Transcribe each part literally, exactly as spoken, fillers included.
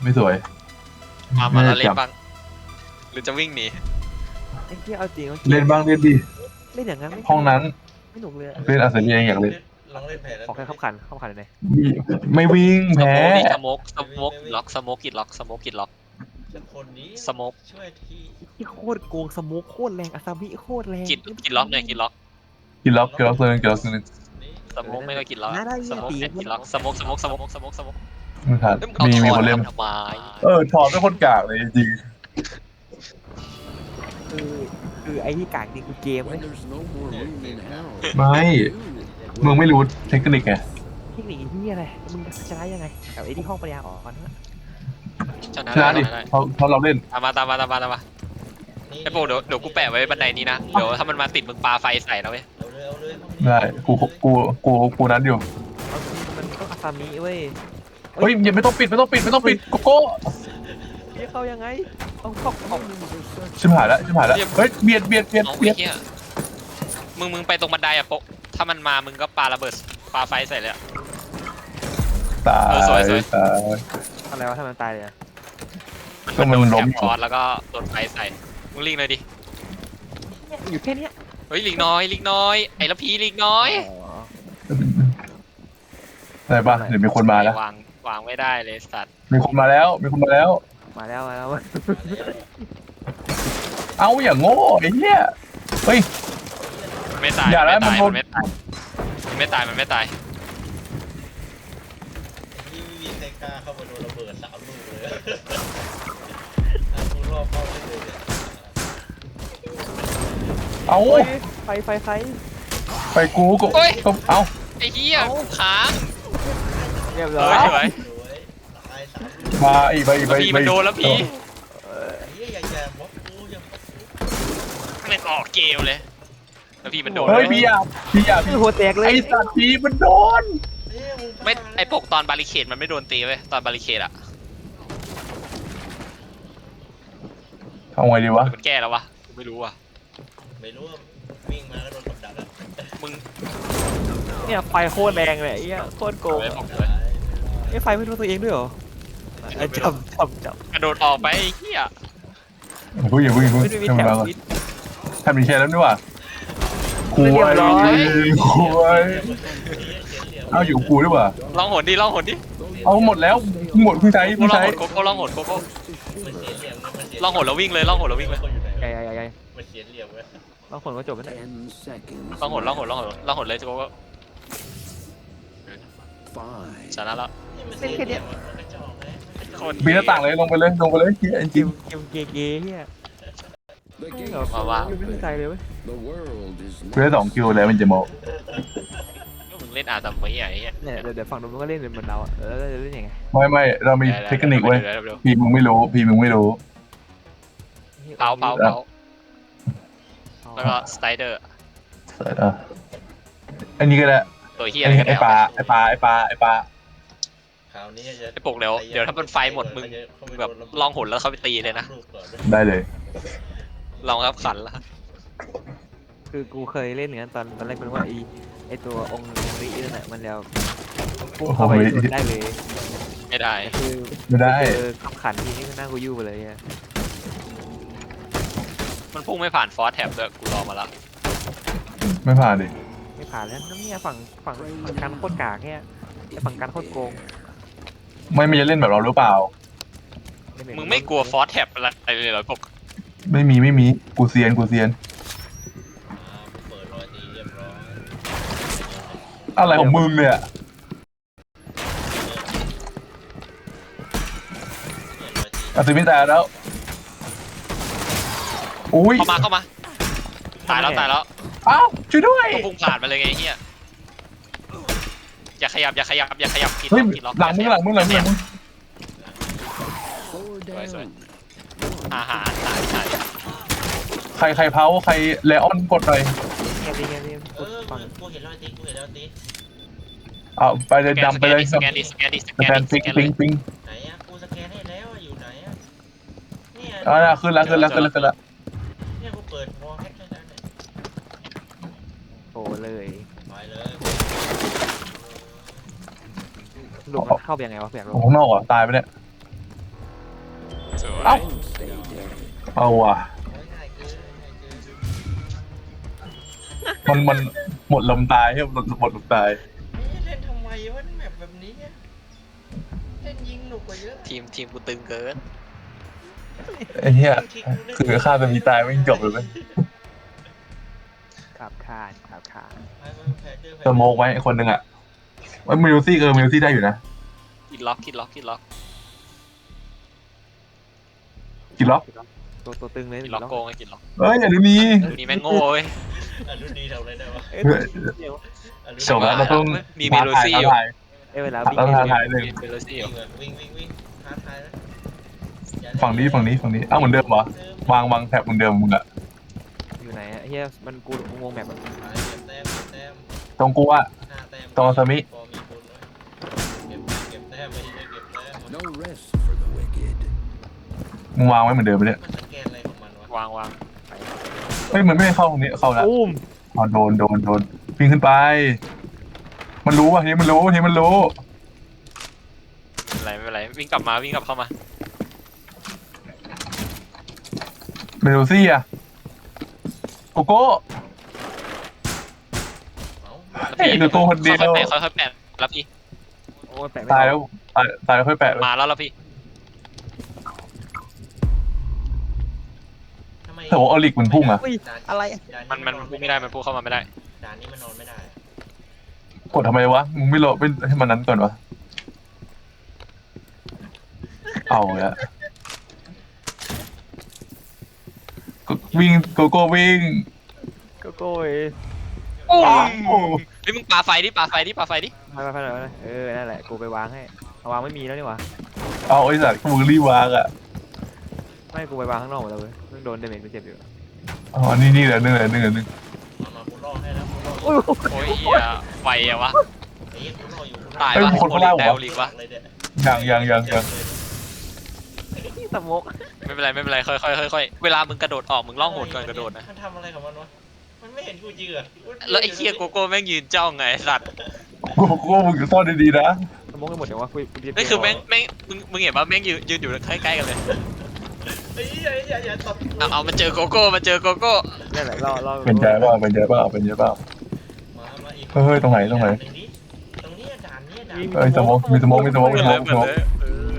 ไม่สวยมามาแล้วเล่นบ้างหรือจะวิ่งหนีไอ้เหี้ยเอาจริงเอาจริงเล่นบ้างเล่นดีเล่นอย่างนั้นไม่ห้องนั้นไม่หนุกเลยเล่นอาเซเนียอยากเล่นลองเล่นแผนขอแค่ขับขันขับขันเลยไม่วิ่งสแพ้โมกดิสโมกสโมกล็อกสโมกกิดล็อกสโมกกิดล็อกคนนี้สโมกช่วยทีที่โคตรโกงสโมุกโคตรแรงอาซามิโคตรแรงกิดกิดล็อกหน่อยกิดล็อกกินล็อกกินล็อกเลยกินล็อกเลยนี่สโมกไม่ก็กิดล็อกสโมกแอนกิดล็อกสโมกสโมกสโมกสโมกสโมกไม่ทันมีมีคนเล่นทำไมเออถอนเป็นคนกากเลยจริงคือคือไอ้ที่กากจริงคือเกมเลยไม่มึงไม่รู้เทคนิคไงเทคนิคที่อะไรมึงจะชนะยังไงกับไอ้ที่ห้องปัญญาอ่อนนะชนะชนะได้ดิได้เพราะเพราะเราเล่นตามมาตามมาตามมาตามมาไอ้โปเดี๋ยวเดี๋ยวกูแปะไว้บันไดนี้นะเดี๋ยวถ้ามันมาติดมึงปาไฟใส่นะเว้ยเอาเลยเอาเลยได้กูกูกูกูนั้นอยู่มันต้องอาซามิเว้ยเฮ้ยอย่าไม่ต้องปิดไม่ต้องปิดไม่ต้องปิดโกโก้นี่เข้ายังไงเอาเข้าเข้าชิบหายแล้วชิบหายแล้วเฮ้ยเบียดเบียดเบียดเอาเบีไอ้ยดเหี้ยมึงมึงไปตรงบันไดอะโปถ้ามันมามึงก็ปาระเบิดปาไฟใส่เลยอะตาเออสวยยสวยตายอะไรวะทำไมตายเลยก็มันโดนล้แถมบฟอสแล้วก็โดนไฟใส่มึงลิงเลยดิอยู่แค่นี้เฮ้ยลิงน้อยลิงน้อยไอ้ละพีลิงน้อยได้ป่ะเดี๋ยวมีคนมาแล้ววางวางไม่ได้เลยสัตว์มีคนมาแล้วมีคนมาแล้วมาแล้วมาแล้วเอาอย่างโง่ไอ้เหี้ยเฮ้ยมันไม่ตายอย่ามันแล้วไม่ตายมัมัน นไม่ตายมันไม่ตายมันไม่ตายนี่ไม่มีใครกล้าเข้ามาโดนระเบิดสามลูกเลยกูรอบเข้าเลยเลยเอาไฟไฟไฟไปกูก็ก็เอาไอ้เหี้ยค้างเรียบเอร้ออย สวยสวยตายสามลูกมาอีกไปอีกไปแล้วพีมันโดนแล้วพีเฮียอย่าอย่าบล็อกกูอย่าบล็อกกูมันออกเกมเลยแล้วพีมันโดนเฮ้ยพี่อ่ะพี่อ่ะพี่หัวแตกเลยไอ้สัตว์พี่มันโดนเฮ้ยมึงไม่ไอ้ปกตอนบาริเคดมันไม่โดนตีเว้ยตอนบาริเคดอะทำไงดีวะมันแก้แล้ววะกูไม่รู้ว่ะไม่รู้ว่าวิ่งมาก็โดนกับดักอ่ะมึงเนี่ยไฟโคตรแรงเลยไอ้เหี้ยโคตรโกงเว้ยบอกเลยไอ้ไฟไม่รู้ตัวเองด้วยเหรอจับจับจับกระโดดออกไปไอ้เหี้ยอย่าเพิ่งอย่าเพิ่งอย่าเพิ่งไม่ได้มีทำแถมันวมาก่อนวิทย์ทำมีแค่นั้นด้วยว่ะคุยเรียบร้อยคุยเอาอยู่กูด้วยว่ะลองหนดิลองหนดิเอาหมดแล้วหมดเพิ่งใช้โก้เพิ่งลองใช้หนโกโก้ลองหนโกโก้มันเสียเหลี่ยมเลยมันเสียลองหนแล้ววิ่งเลยลองหนแล้ววิ่งเลยคนอยู่ไหนใหญ่ใหญ่ใหญ่ใหญ่มันเสียเหลี่ยมเว้ยบางคนก็จบแล้ว Ten seconds. ลองหนลองหนลองหนลองหนเลยโกโก้ Five. ชนะแล้วนี่มันเสียเหลี่ยมอะมันกระจอกเลยโคตรปีหน้าต่างเลยลงไปเลยลงไปเลยเฮียจเกริงมเกมเกย์เกย์เฮีย The ไม่ game เหรอมาว่าไม่ได้ใจเลยเว้ย The world is ๆกูได้สองคิวแล้วมันจะโมมึงเล่นอาซัมไว้ไอ้เหี้ยเนี่ยเดี๋ยวเดี๋ยวฝั่งนู้นมันก็เล่นเหมือนเราอ่ะแล้วเราจะเล่นยังไงไม่ไม่เรามีเทคนิคเว้ยดี๋วดี๋วพี่มึงไม่รู้พี่มึงไม่รู้เผาเผาเผาแล้วก็สไตเดอร์อ่ะอันนี้ก็ได้ตัวเหี้ยไอ้ไอ้ปลาไอ้ปลาไอ้ปลาไอ้ปลาคราวนี้จะไอ้ปกเดี๋ยวเดี๋ยวถ้ามันไฟหมดมึงแบบลองหนแล้วเขาไปตีเลยนะได้เลยลองครับขันละคือกูเคยเล่นเหมือนกันตอนตอนแรกเป็นว่าไอไอตัวองค์รินั่นแหละมันแล้วพุ่งเข้าไปโดนได้เลยไม่ได้คือไม่ได้เจอขับขันทีนี้ก็นั่งกูยู่ไปเลยอ่ะมันพุ่งไม่ผ่านฟอสแท็บด้วยกูรอมาแล้วไม่ผ่านดิไม่ผ่านแล้วน้ำเนี่ยฝั่งฝั่งฝั่งการโคตรกากเนี่ยแต่ฝั่งการโคตรโกงไม่ไม่จะเล่นแบบเราหรือเปล่าเล่นแบบมึงไม่กลัวฟอสแท็บอะไรเลยเหรอปกไม่มีไม่มีกูเซียนกูเซียนเปิดรอยตีเรียบร้อยอะไรของมึงเนี่ยอาซิมิตายแล้วอุ้ยเข้ามาเข้ามาตายแล้วตายแล้วอ้าวช่วยด้วยก็พุ่งผ่านมาเลยไงไอ้เฮียอย่าขยับอย่าขยับอย่าขยับกินเฮ้ยกินล็อกหลังมึงหลังมึงหลังมึงหลังมึง four down. อาหารหายหายใครใครเผาใครเลออนกดหน่อยเงียบดิเงียบดิเออกูเห็นรอยตีกูเห็นรอยตีเอาไปเลยดำไปเลยสแกนดิสแกนดิสสแกแกนนดิปิสงแกนปิงปิงไหนอะกูสแกนให้แล้วอยู่ไหนอะเนี่ยอ่าขึ้นแล้วขึ้นแล้วขึ้นแล้วขึ้นแล้วเนี่ยกูเปิดมองแค่แค่นั้นเนี่ยโอ้เลยไปเลยหลุมมันเข้าไปยังไงวะเปียกหลุโอ้มข้างนอกเหรอตายไปเนี่ยเอ้า Stay dead. เอาว่ะโอ้ยง่ายเกินง่ายเกินมันมันหมดลมตายครับหมดหมดลมตายเฮ้ยเล่นทำไมวะแมปแบบนี้อะเล่นยิงหนุกกว่าเยอะทีมทีมกูตึงเกินไอ้เหี้ยคือฆ่าจะมีตายไม่จบเลยไหมขับคานขับคานไปไปแพ้เจอแพ้สโมกไว้ไอ้คนหนึ่งอ่ะว่ามิวซี่เออมิวซี่ได้อยู่นะกินล็อกกินล็อกกินล็อกกี่ล็อกตัวตัวตึงเลยกินล็อกโกงไอ้กินล็อกเอ้ยอย่าดูนี้ดูนี่แม่งโง่เว้ยอ่ะรุ่นดีทำอะไรได้วะเอ้ยเดี๋ยวอ่ะรุ่นจบแล้วเราต้องมีเมโลซี่อยู่ท้าทายเอ้ยเวลาท้าวิ่งทายท้าทายเนี่ยหนึ่งมีเมโลซี่อวิ่ยู่งแบบวิ่งวิ่งวิ่งท้าทายนะอย่าฝั่งนี้ฝั่งนี้ฝั่งนี้อ้าวเหมือนเดิมเหรอวางวางแถบเหมือนเดิมมึงอะอยู่ไหนอะเฮียมันกูงงแมปอะไปเก็บแต้มเก็บแต้มตรงกูอะห้าแต้มตรงอาซามิพอมีบุญไว้เก็บเก็บแต้มไม่ใช่เก็บแต้ม No rest for the wicked. มึงวางไว้เหมือนเดิมไปเนี่ยมันสแกนอะไรของมันวะวางวางเฮ้ยมันไม่ให้เข้าตรงนี้เข้าแล้วอุ้มอ๋อโดนโดนโดนวิ่งขึ้นไป มันรู้ว่ะทีนี้มันรู้ทีนี้มันรู้ไม่เป็นไรไม่เป็นไรวิ่งกลับมาวิ่งกลับเข้ามาเมโลซี่อะโกโก้เอ้าเอ้ยเดี๋ยวตัวคนเดียวค่อยๆแปะค่อยๆแปะแล้วพี่โอ้ยแปะไม่ตายอแล้อวกตายตายแล้วค่อยแปะเลยมาแล้วแล้วพี่ทำไมแต่ว่าออลิกมันพุ่งอะอุ้ยด่านอะไรด่ามันมันพูดไม่ได้มันพูดเข้ามาไม่ได้ด่านนี้มันนอนไม่ได้กดทำไมวะมึงไม่รอไม่ให้มันนั้นก่อนวะเอาละก็วิ่งโกโก้วิ่งโกโก้เอ้ยโอ้โหเฮ้ยมึงปาไฟดิปาไฟดิปาไฟดิไปไปไปไปไปเออนั่นแหละกูไปวางให้เอาวางไม่มีแล้วนี่หว่าเอาไอ้สัตว์มึงรีบวางอ่ะไม่กูไปวางข้างนอกหมดแล้วเว้ยเพิ่งโดนเดเมจกูเจ็บอยู่อ๋อนี่นี่แหละนึงเลยนึงเลยนึงมามากูรอให้แล้วกูรอโอ้ยโอ้ยเหี้ยไฟอะวะไอ้เหี้ยกูรออยู่กูรอตายเอ้ยวะมีคนโอข้างลิล่างกเหรอได้โอลิกวะเลยเนี่ยยังยังยังยังสมกไม่เป็นไรไม่เป็นไรค่อยๆค่อยๆเวลามึงกระโดดออกมึงล่องหนก่อนกระโดดนะมันทำอะไรของมันวะมันไม่เห็นกูจริงเหรอแล้วไอ้เคียโกโก้แม่งยืนจ้องไงไอ้สัตว์โกโก้มึงซ่อนดีๆนะสมกไปหมดเดี๋ยวว่าคุยกูจะนี่คือแม่งแม่งมึงมึงเห็นว่าแม่งยืนยืนอยู่ใกล้ๆกันเลยไอ้เหี้ยอย่าอย่าตบเอาเอามาเจอโกโก้มาเจอโกโก้นั่นแหละรอรอเป็นใจเปล่าเป็นใจเปล่าเป็นใจเปล่ามามาอีกเฮ้ยตรงไหนตรงไหนด่านี้ตรงนี้ด่านนี้ด่านเอ้ยสโมกมีสโมกมีสโมกมีสโมกมีสโมกเออ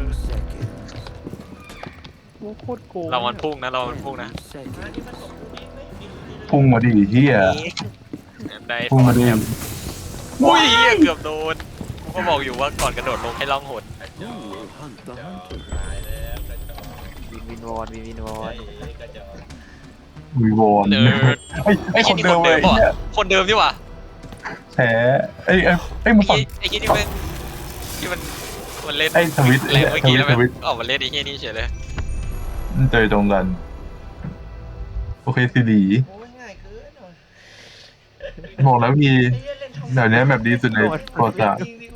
โอ้โคตรโกงเรามันพุ่งนะเรามันพุ่งนะมา Second. ที่มันตบกูดิไม่มีใครเลยพุ่งมาดิเฮียได้พุ่งมาดิอุ้ยเหี้ยเกือบโดนกูก็บอกอยู่ว่าก่อนกระโดดลงให้ล่องหน Who will hunt the hunter? ตายแล้วกระจอกวินวินวอนวินวินวอไอ้นกระจอกวีวอนเดินไอ้ไอ้คนเดิมเลยป่ะเฮียคนเดิมนี่หว่าแผลไอ้ไอ้ไอ้มึงไอ้ฝั่งไอ้ที่นี่มันที่มันมันเล่นไอ้ทวิตแรงเมื่อกี้แล้วทมันวิตออกมาเล่นไอ้เหี้ยนี่เฉยเลยเจอตรงกัน โอเคสิดีโอ้ยง่ายเกินว่ะบอกแล้วพี่ไอ้เหี้ยเล่นทำเดี๋ยวนี้แบบดีสุดในประวัติศาสตร์จริงดิ